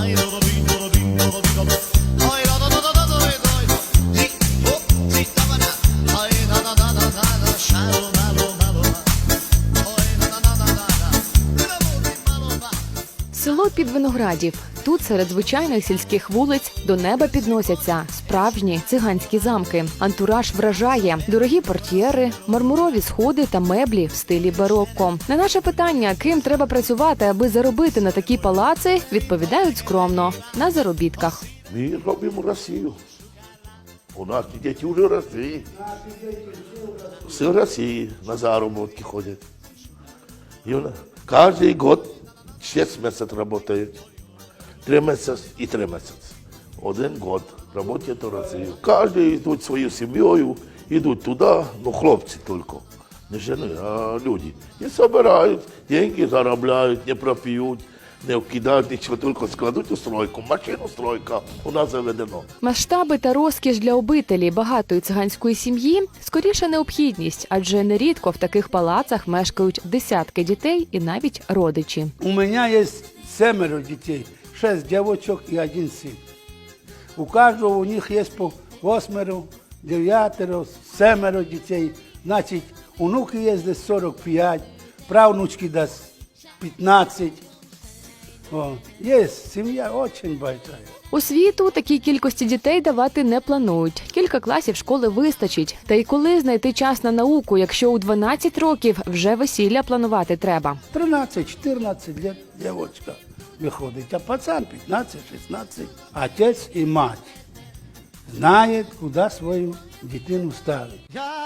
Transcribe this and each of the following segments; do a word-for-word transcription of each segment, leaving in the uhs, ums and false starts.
Село Підвиноградів. Тут серед звичайних сільських вулиць до неба підносяться справжні циганські замки. Антураж вражає. Дорогі портьєри, мармурові сходи та меблі в стилі барокко. На наше питання, ким треба працювати, аби заробити на такі палаци, відповідають скромно – на заробітках. Ми робимо Росію. У нас діти вже росли. Все в Росії на заробітки ходять. Кожен год шесть месяцев работают. Три месяца и три месяца. Один год работают в России. Каждый идут свою семьей, идут туда, ну хлопцы только. Не жены, а люди. И собирают, деньги зарабатывают, не пропьют, не вкидають нічого, тільки складуть у стройку, машину стройка у нас заведено. Масштаби та розкіш для обителі багатої циганської сім'ї – скоріше необхідність, адже нерідко в таких палацах мешкають десятки дітей і навіть родичі. У мене є семеро дітей, шість дівчаток і один син. У кожного у них є по восьмеро, дев'ятеро, семеро дітей. Значить, онуки є десь сорок п'ять, правнучки десь п'ятнадцять. О, є, сім'я дуже велика. Освіту такій кількості дітей давати не планують. Кілька класів школи вистачить. Та й коли знайти час на науку, якщо у дванадцять років вже весілля планувати треба? тринадцять-чотирнадцять років дівчинка виходить, а пацан п'ятнадцять-шістнадцять. Отець і мать знають, куди свою дитину ставити.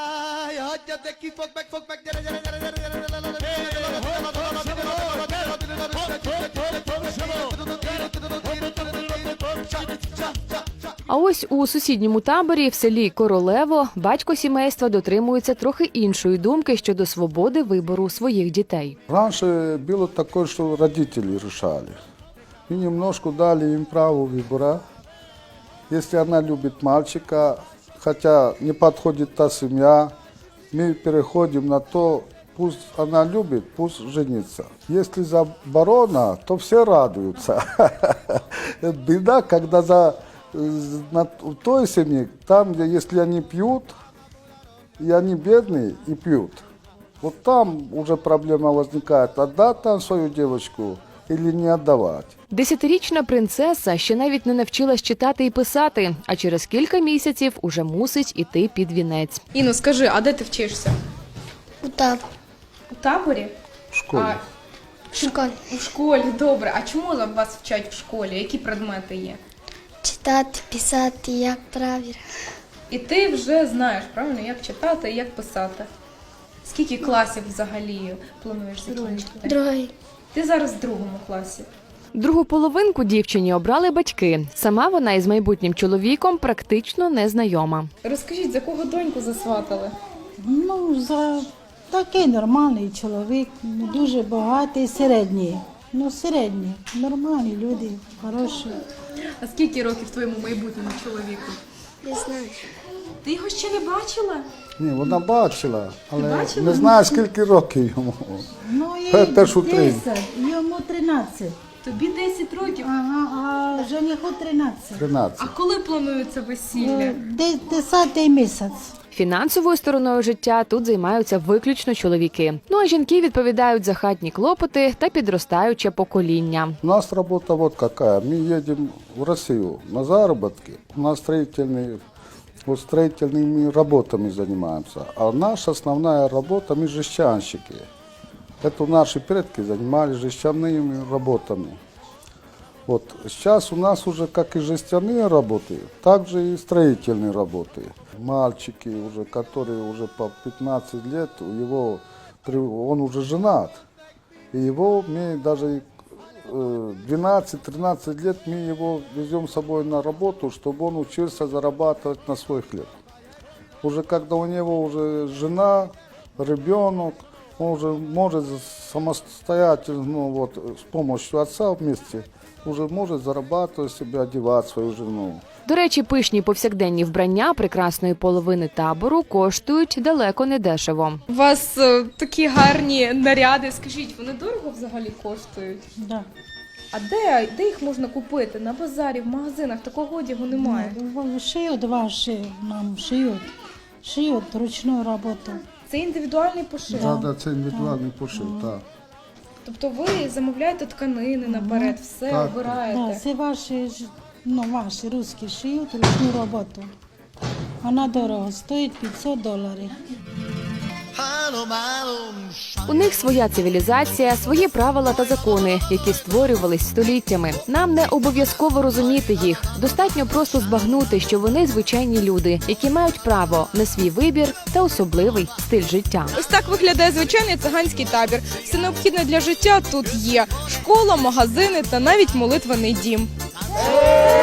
А ось у сусідньому таборі в селі Королево батько сімейства дотримується трохи іншої думки щодо свободи вибору своїх дітей. Раніше було таке, що родителі вирішали. І немножко дали їм право вибору. Якщо вона любить мальчика, хоча не підходить та сім'я, ми переходимо на то, пусть она любит, пусть женится. Если заборона, то все радуются. Беда, когда за на той семье, там, где если они пьют, и они бедные и пьют, вот там уже проблема возникает, отдать там свою девочку или не отдавать. Десятирічна принцеса ще навіть не навчилась читати і писати, а через кілька місяців уже мусить іти під вінець. Іно, скажи, а де ти вчишся? У таборі. У таборі? В школі. А, В школі. у школі, добре. А чому вас вчать в школі? Які предмети є? Читати, писати, як правильно. І ти вже знаєш, правильно, як читати і як писати. Скільки класів взагалі плануєш закінчити? Другий. Ти зараз в другому класі. Другу половинку дівчині обрали батьки. Сама вона із майбутнім чоловіком практично не знайома. Розкажіть, за кого доньку засватали? Ну, за такий нормальний чоловік, не дуже багатий, середній. Ну, середній, нормальні люди, хороші. А скільки років твоєму майбутньому чоловіку? Не знаю. Ти його ще не бачила? Ні, вона бачила, але бачила? не знаю, скільки років йому. Ну, Те, і що три. десять, йому тринадцять. Тобі десять років. Ага, а жениху тринадцять. тринадцять. А коли планується весілля? Е, де- Десятий місяць. Фінансовою стороною життя тут займаються виключно чоловіки. Ну а жінки відповідають за хатні клопоти та підростаюче покоління. У нас работа вот какая. Мы едем в Россию на заработки. У нас строительные, вот строительными работами занимаемся. А наша основная работа, мы жестянщики. Это наши предки занимались жестяными работами. Вот сейчас у нас уже как и жестяные работы, так же и строительные работы. Мальчики, уже, которые уже по пятнадцать лет, у его, он уже женат. И его мы даже двенадцать-тринадцать лет мы его везем с собой на работу, чтобы он учился зарабатывать на свой хлеб. Уже когда у него уже жена, ребенок, он уже может самостоятельно, ну, вот, с помощью отца вместе, уже может зарабатывать себе, одевать свою жену. До речі, пишні повсякденні вбрання прекрасної половини табору коштують далеко не дешево. У вас е, такі гарні наряди. Скажіть, вони дорого взагалі коштують? Да. А де, де їх можна купити? На базарі, в магазинах такого одягу немає. Ну, шиють ваші, нам шиють. Шиють ручну роботу. Це індивідуальний пошив. Да, да, це індивідуальний пошив, так. Тобто ви замовляєте тканини наперед, все Так. обираєте. Да, це ваші, ж- ну, ваші русські шиють ручну роботу. Вона дорого, стоїть п'ятсот доларів. У них своя цивілізація, свої правила та закони, які створювались століттями. Нам не обов'язково розуміти їх. Достатньо просто збагнути, що вони звичайні люди, які мають право на свій вибір та особливий стиль життя. Ось так виглядає звичайний циганський табір. Все необхідне для життя тут є: школа, магазини та навіть молитвений дім.